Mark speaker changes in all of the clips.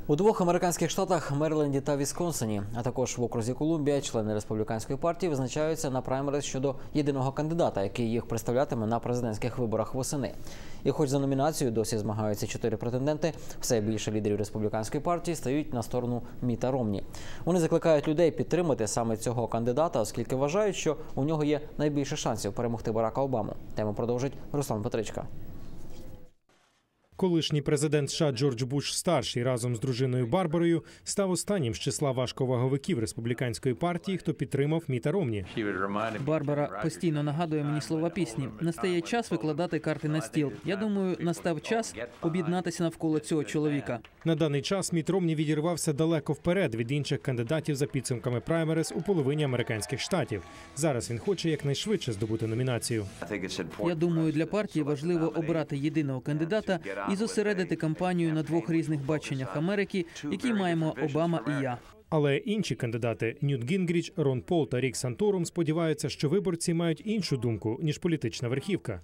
Speaker 1: У двох американських штатах – Мериленді та Вісконсині, а також в окрузі Колумбія, члени республіканської партії визначаються на праймериз щодо єдиного кандидата, який їх представлятиме на президентських виборах восени. І хоч за номінацію досі змагаються 4 претенденти, все більше лідерів республіканської партії стають на сторону Міта Ромні. Вони закликають людей підтримати саме цього кандидата, оскільки вважають, що у нього є найбільше шансів перемогти Барака Обаму. Тему продовжить Руслан Петричка.
Speaker 2: Колишній президент США Джордж Буш-старший разом з дружиною Барбарою став останнім з числа важковаговиків республіканської партії, хто підтримав Міта Ромні.
Speaker 3: Барбара постійно нагадує мені слова пісні. Настає час викладати карти на стіл. Я думаю, настав час об'єднатися навколо цього чоловіка.
Speaker 2: На даний час Міт Ромні відірвався далеко вперед від інших кандидатів за підсумками праймериз у половині американських штатів. Зараз він хоче якнайшвидше здобути номінацію.
Speaker 3: Я думаю, для партії важливо обрати єдиного кандидата і зосередити кампанію на двох різних баченнях Америки, які маємо Обама і я.
Speaker 2: Але інші кандидати – Ньют Гінгріч, Рон Пол та Рік Санторум – сподіваються, що виборці мають іншу думку, ніж політична верхівка.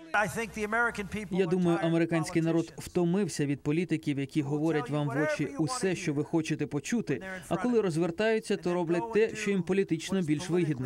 Speaker 3: Я думаю, американський народ втомився від політиків, які говорять вам в очі усе, що ви хочете почути, а коли розвертаються, то роблять те, що їм політично більш вигідно.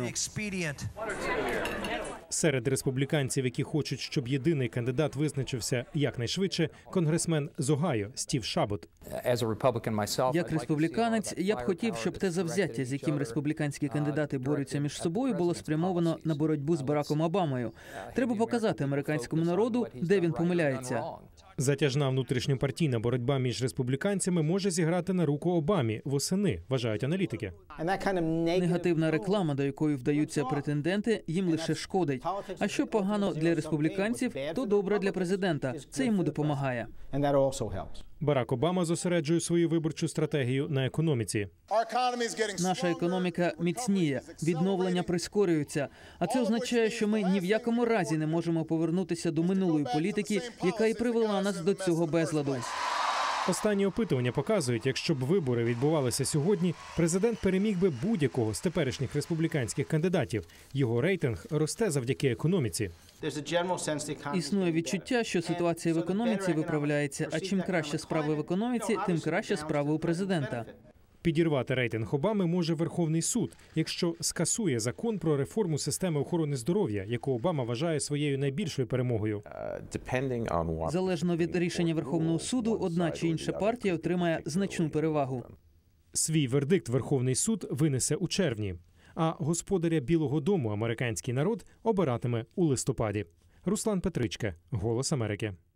Speaker 2: Серед республіканців, які хочуть, щоб єдиний кандидат визначився якнайшвидше, конгресмен з Огайо Стів Шабот.
Speaker 3: Як республіканець, я б хотів, щоб те завзяття, з яким республіканські кандидати борються між собою, було спрямовано на боротьбу з Бараком Обамою. Треба показати американському народу, де він помиляється.
Speaker 2: Затяжна внутрішньопартійна боротьба між республіканцями може зіграти на руку Обамі восени, вважають аналітики.
Speaker 3: Негативна реклама, до якої вдаються претенденти, їм лише шкодить. А що погано для республіканців, то добре для президента. Це йому допомагає.
Speaker 2: Барак Обама зосереджує свою виборчу стратегію на економіці.
Speaker 3: Наша економіка міцніє, відновлення прискорюється. А це означає, що ми ні в якому разі не можемо повернутися до минулої політики, яка і привела нас до цього безладу.
Speaker 2: Останні опитування показують, якщо б вибори відбувалися сьогодні, президент переміг би будь-якого з теперішніх республіканських кандидатів. Його рейтинг росте завдяки економіці.
Speaker 3: Існує відчуття, що ситуація в економіці виправляється, а чим краще справи в економіці, тим краще справи у президента.
Speaker 2: Підірвати рейтинг Обами може Верховний суд, якщо скасує закон про реформу системи охорони здоров'я, яку Обама вважає своєю найбільшою перемогою.
Speaker 3: Залежно від рішення Верховного суду, одна чи інша партія отримає значну перевагу.
Speaker 2: Свій вердикт Верховний суд винесе у червні, а господаря Білого дому американський народ обиратиме у листопаді. Руслан Петричка, «Голос Америки».